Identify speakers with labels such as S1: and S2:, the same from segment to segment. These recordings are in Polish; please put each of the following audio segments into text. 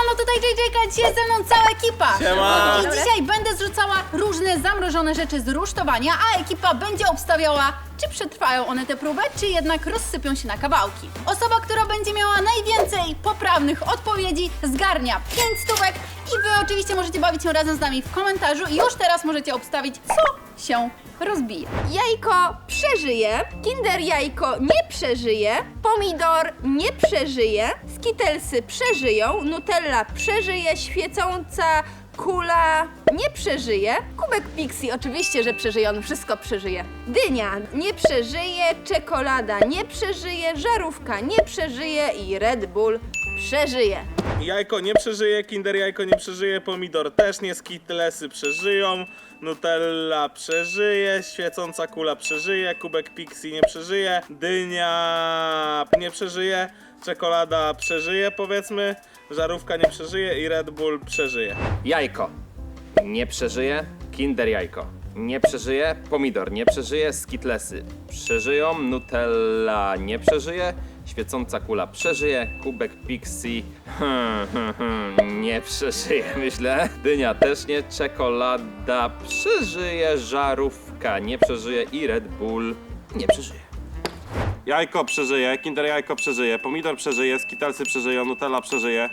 S1: Siemano, tutaj JJ, dzisiaj ze mną cała ekipa.
S2: Siema.
S1: I dzisiaj będę zrzucała różne zamrożone rzeczy z rusztowania, a ekipa będzie obstawiała, czy przetrwają one tę próbę, czy jednak rozsypią się na kawałki. Osoba, która będzie miała najwięcej poprawnych odpowiedzi, zgarnia 5 stówek i wy oczywiście możecie bawić się razem z nami w komentarzu i już teraz możecie obstawić, co się rozbije.
S3: Jajko przeżyje, Kinder Jajko nie przeżyje, Pomidor nie przeżyje, Skittlesy przeżyją, Nutella przeżyje, świecąca kula nie przeżyje, Kubek Pixie oczywiście, że przeżyje, on wszystko przeżyje. Dynia nie przeżyje, czekolada nie przeżyje, żarówka nie przeżyje i Red Bull przeżyje.
S2: Jajko nie przeżyje, Kinder Jajko nie przeżyje, Pomidor też nie, Skittlesy przeżyją, Nutella przeżyje, świecąca kula przeżyje, Kubek Pixie nie przeżyje, dynia nie przeżyje, czekolada przeżyje powiedzmy, żarówka nie przeżyje i Red Bull przeżyje.
S4: Jajko nie przeżyje, Kinder Jajko nie przeżyje, Pomidor nie przeżyje, Skittlesy przeżyją, Nutella nie przeżyje, świecąca kula przeżyje, Kubek Pixie nie przeżyje, myślę. Dynia też nie, czekolada przeżyje, żarówka nie przeżyje i Red Bull nie przeżyje.
S5: Jajko przeżyje, Kinder Jajko przeżyje, Pomidor przeżyje, Skittlesy przeżyją, Nutella przeżyje.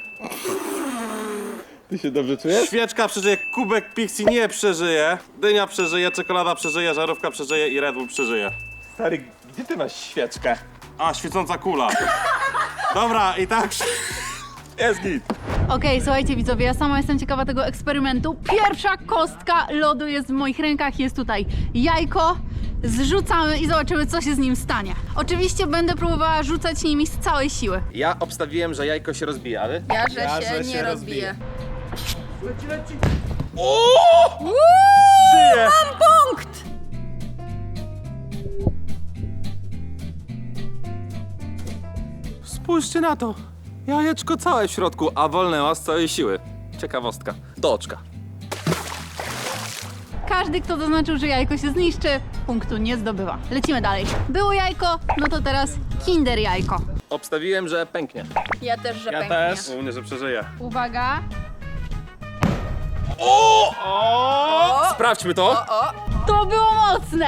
S2: Ty się dobrze czujesz?
S5: Świeczka przeżyje, Kubek Pixie nie przeżyje, dynia przeżyje, czekolada przeżyje, żarówka przeżyje i Red Bull przeżyje.
S2: Stary, gdzie ty masz świeczkę?
S5: A, świecąca kula. Dobra, i tak jest git.
S1: Okej, słuchajcie widzowie, ja sama jestem ciekawa tego eksperymentu. Pierwsza kostka lodu jest w moich rękach, jest tutaj jajko. Zrzucamy i zobaczymy, co się z nim stanie. Oczywiście będę próbowała rzucać nimi z całej siły.
S4: Ja obstawiłem, że jajko się rozbija, ale
S3: Ja, że się nie
S2: rozbije.
S3: rozbije.
S2: Żyje!
S3: Mam punkt!
S4: spójrzcie na to. Jajeczko całe w środku, a wolnęła z całej siły. Ciekawostka. Do oczka.
S1: Każdy, kto zaznaczył, że jajko się zniszczy, punktu nie zdobywa. Lecimy dalej. Było jajko, no to teraz Kinder Jajko.
S4: Obstawiłem, że pęknie.
S3: Ja też, że
S2: Ja
S3: pęknie.
S2: też.
S5: U mnie, że przeżyje.
S1: Uwaga.
S4: Sprawdźmy to.
S1: To było mocne!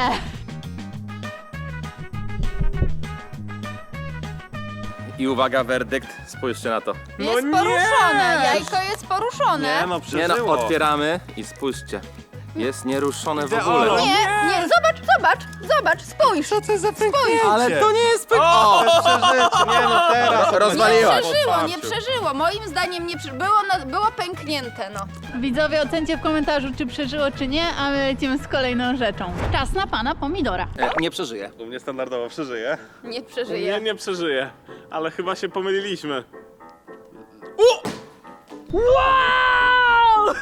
S4: I uwaga, werdykt. Spójrzcie na to.
S3: Jest
S2: nie!
S3: poruszone, jajko jest poruszone.
S5: Nie no,
S4: Nie
S5: przeżyło.
S4: no, otwieramy i spójrzcie. Jest nieruszone w ogóle.
S5: Olo.
S3: Nie, zobacz, spójrz. Co to jest za pęknięcie?
S4: Ale to nie jest pęknięcie.
S5: O, przeżycie, nie no teraz.
S4: Rozwaliłaś.
S3: Nie przeżyło, moim zdaniem nie przeżyło. Było pęknięte, no.
S1: Widzowie, ocencie w komentarzu, czy przeżyło, czy nie, a my lecimy z kolejną rzeczą. Czas na pana Pomidora.
S4: Nie przeżyje.
S5: U mnie standardowo przeżyje.
S3: Nie przeżyje.
S2: Nie, nie przeżyje, ale chyba się pomyliliśmy.
S1: Wow!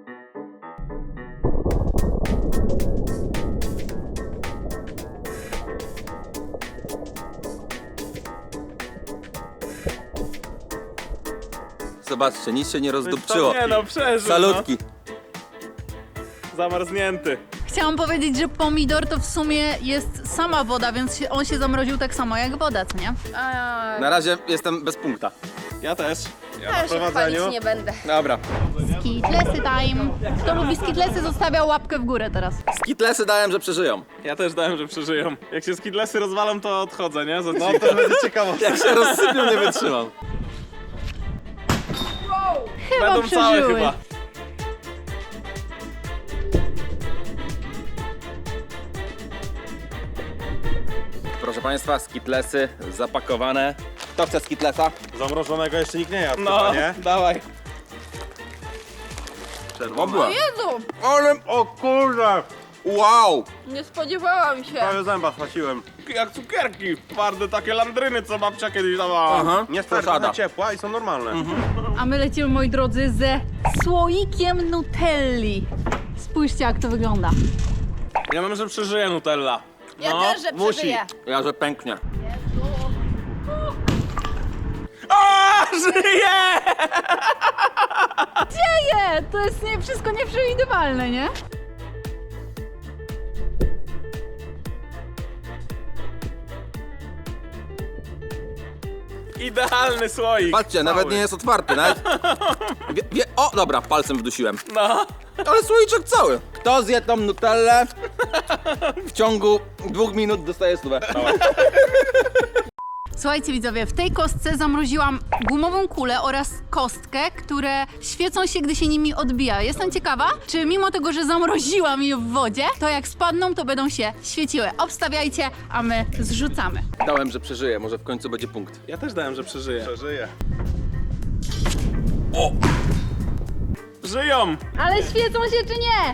S4: Zobaczcie, nic się nie rozdupczyło.
S2: To nie no, przeżył.
S4: Salutki.
S2: No. Zamarznięty.
S1: Chciałam powiedzieć, że pomidor to w sumie jest sama woda, więc on się zamroził tak samo jak woda, co nie?
S4: Na razie jestem bez punkta.
S5: Ja też. Ja na
S3: Ja się chwalić
S5: prowadzeniu.
S3: nie będę.
S4: Dobra.
S1: Skittlesy time. Kto lubi skittlesy, zostawia łapkę w górę teraz.
S4: Skittlesy dałem, że przeżyją.
S2: Ja też dałem, że przeżyją. Jak się Skittlesy rozwalą, to odchodzę, nie?
S5: No to będzie ciekawe.
S4: Jak się rozsypią, nie wytrzymam.
S1: Chyba
S2: Będą całe
S1: przeżyły.
S2: chyba.
S4: Proszę Państwa, Skittlesy zapakowane. Kto chce Skittlesa?
S5: Zamrożonego jeszcze nikt nie jadł,
S2: No,
S5: chyba, nie?
S2: dawaj.
S4: Obła.
S3: Jezu,
S5: Ale, o kurde!
S4: Wow!
S3: nie spodziewałam się.
S5: Prawie zęba chwaciłem.
S2: Jak cukierki. Twarde takie landryny, co babcia kiedyś dawała.
S4: Aha,
S5: Nie stary,
S4: posada.
S5: trochę ciepła i są normalne.
S1: A my lecimy, moi drodzy, ze słoikiem Nutelli. Spójrzcie, jak to wygląda.
S2: Ja mam, że przeżyje Nutella.
S3: Ja
S2: No,
S3: też, że
S2: musi.
S3: przeżyję.
S4: Ja, że pęknie.
S2: A, żyje!
S1: Dzieje! To jest wszystko nieprzewidywalne, nie?
S2: Idealny słoik.
S4: Patrzcie, nawet nie jest otwarty, nawet... O, dobra, palcem wdusiłem.
S2: No.
S4: Ale słoiczek cały. Kto zje tą nutellę, w ciągu 2 minut dostaje stówę.
S1: Słuchajcie widzowie, w tej kostce zamroziłam gumową kulę oraz kostkę, które świecą się, gdy się nimi odbija. Jestem ciekawa, czy mimo tego, że zamroziłam je w wodzie, to jak spadną, to będą się świeciły. Obstawiajcie, a my zrzucamy.
S4: Dałem, że przeżyję, może w końcu będzie punkt.
S2: Ja też dałem, że przeżyję.
S5: Przeżyję.
S2: Żyją!
S1: Ale świecą się czy nie?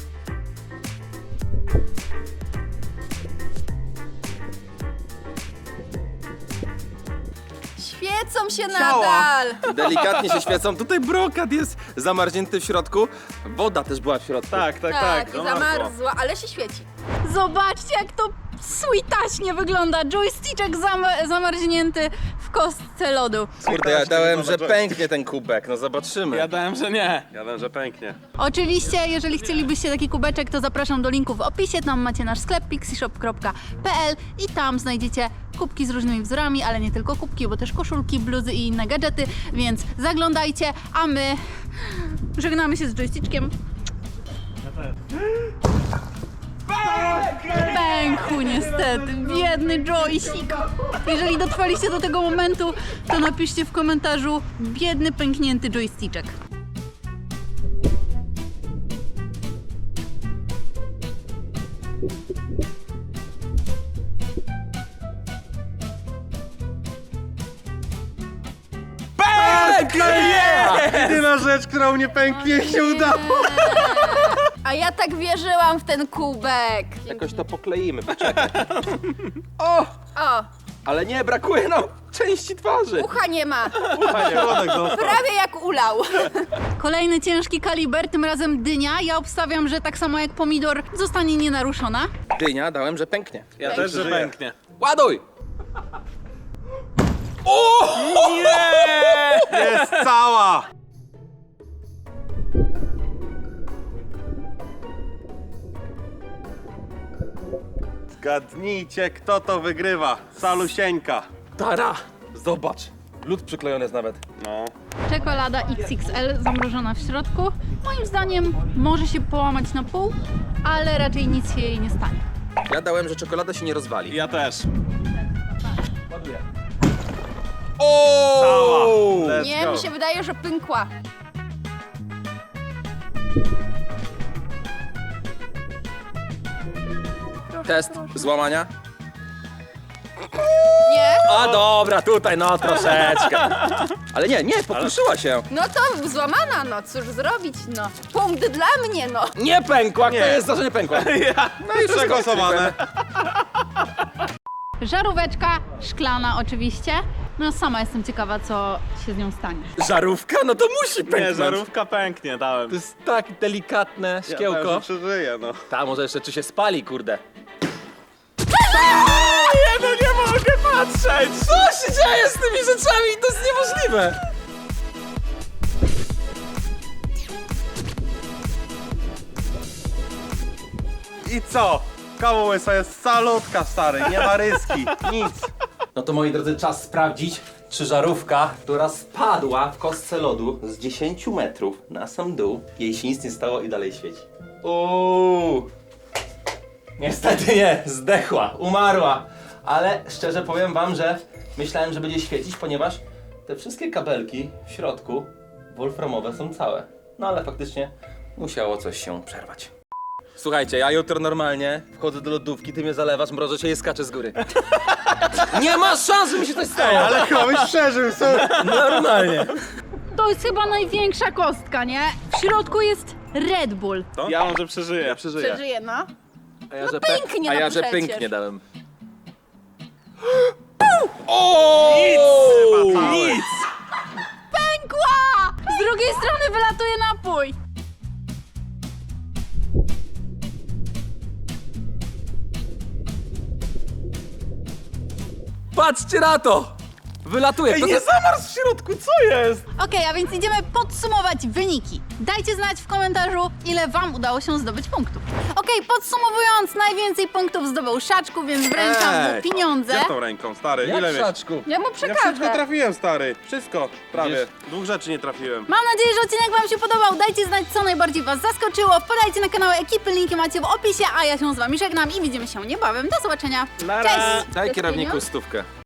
S3: Świecą się
S5: Ciała.
S3: nadal.
S4: Delikatnie się świecą. Tutaj brokat jest zamarznięty w środku. Woda też była w środku.
S2: Tak, tak,
S3: Tak,
S2: tak.
S3: i
S2: no,
S3: zamarzła, ale się świeci.
S1: Zobaczcie, jak to sweetaśnie wygląda. Joystickek zamarznięty w kostce lodu.
S4: Kurde, ja dałem, że pęknie ten kubek. No zobaczymy.
S2: Ja dałem, że nie.
S5: Ja wiem, że pęknie.
S1: Oczywiście, jeżeli chcielibyście taki kubeczek, to zapraszam do linku w opisie. Tam macie nasz sklep pixieshop.pl i tam znajdziecie kubki z różnymi wzorami, ale nie tylko kubki, bo też koszulki, bluzy i inne gadżety, więc zaglądajcie, a my żegnamy się z joystickiem. Pękł niestety, biedny joystick. Jeżeli dotrwaliście do tego momentu, to napiszcie w komentarzu biedny, pęknięty joysticzek.
S5: Jedyna rzecz, która mnie pęknie, się udało.
S3: A ja tak wierzyłam w ten kubek.
S4: Jakoś to pokleimy, poczekaj. O!
S3: O,
S4: Ale nie, brakuje nam części twarzy.
S3: ucha nie ma.
S5: Środek został.
S3: Prawie jak ulał.
S1: Kolejny ciężki kaliber, tym razem dynia. Ja obstawiam, że tak samo jak pomidor zostanie nienaruszona.
S4: Dynia dałem, że pęknie.
S2: Ja też, że
S5: przeżyję.
S2: pęknie.
S4: Ładuj!
S5: Jest cała. Zgadnijcie, kto to wygrywa. Salusieńka.
S4: Tara! Zobacz. Lód przyklejony jest nawet.
S5: No.
S1: Czekolada XXL zamrożona w środku. Moim zdaniem może się połamać na pół, ale raczej nic się jej nie stanie.
S4: Ja dałem, że czekolada się nie rozwali.
S2: Ja też.
S4: Ładuję.
S5: Cała.
S4: O!
S5: Let's
S3: Nie,
S5: go.
S3: mi się wydaje, że pękła.
S4: Test złamania.
S3: Nie?
S4: A dobra, tutaj no troszeczkę. Ale nie, pokruszyła się.
S3: No to złamana, no cóż zrobić, no. Punkt dla mnie, no.
S4: Nie pękła,
S5: Nie.
S4: kto jest za, że nie pękła? No i
S5: Przegłosowane.
S1: Żaróweczka szklana oczywiście. No sama jestem ciekawa, co się z nią stanie.
S4: Żarówka? No to musi
S2: Nie,
S4: pęknąć.
S2: żarówka pęknie, dałem.
S4: To jest tak delikatne
S5: Ja
S4: szkiełko.
S5: dałem, że przeżyję, no.
S4: Ta, może jeszcze czy się spali, kurde.
S2: Nie, no nie mogę patrzeć!
S4: Co się dzieje z tymi rzeczami? To jest niemożliwe.
S5: I co? Kawa łysa jest salutka, stary. Nie ma ryski. Nic.
S4: No to moi drodzy, czas sprawdzić, czy żarówka, która spadła w kostce lodu z 10 metrów na sam dół, jej się nic nie stało i dalej świeci. Niestety nie, zdechła, umarła. Ale szczerze powiem wam, że myślałem, że będzie świecić, ponieważ te wszystkie kabelki w środku wolframowe są całe. No ale faktycznie musiało coś się przerwać. Słuchajcie, ja jutro normalnie wchodzę do lodówki, ty mnie zalewasz, mrożę się i skaczę z góry. Nie ma szans, żeby mi się coś stało!
S5: Ale chyba byś przeżył, co?
S4: Normalnie.
S1: To jest chyba największa kostka, nie? W środku jest Red Bull.
S2: Ja może przeżyję.
S5: Ja przeżyję.
S3: Przeżyje, no.
S4: A ja, że
S3: pęknie,
S4: a
S3: no
S4: ja, że
S3: przecież.
S4: pęknie dałem.
S2: Nic!
S1: Pękła! Z drugiej strony wylatuje napój.
S4: Patrzcie na to! Wylatuje.
S2: Ej,
S4: To
S2: nie
S4: jest...
S2: zamarzł w środku, co jest?
S1: Okej, a więc idziemy podsumować wyniki. Dajcie znać w komentarzu, ile wam udało się zdobyć punktów. Okej, podsumowując, najwięcej punktów zdobył Szaczku, więc wręczam mu pieniądze.
S5: Ja tą ręką, stary, ile
S4: Jak
S5: mieć?
S4: Szaczku?
S3: Ja mu
S5: Ja wszystko
S3: przekażę.
S5: trafiłem, stary. Wszystko, prawie.
S4: Wiesz-
S5: 2 rzeczy nie trafiłem.
S1: Mam nadzieję, że odcinek wam się podobał. Dajcie znać, co najbardziej was zaskoczyło. Wpadajcie na kanały ekipy, linki macie w opisie, a ja się z wami żegnam i widzimy się niebawem. Do zobaczenia.
S2: Nara.
S1: Cześć!
S4: Daj
S3: To
S4: kierowniku
S3: pieniądz?
S4: stówkę.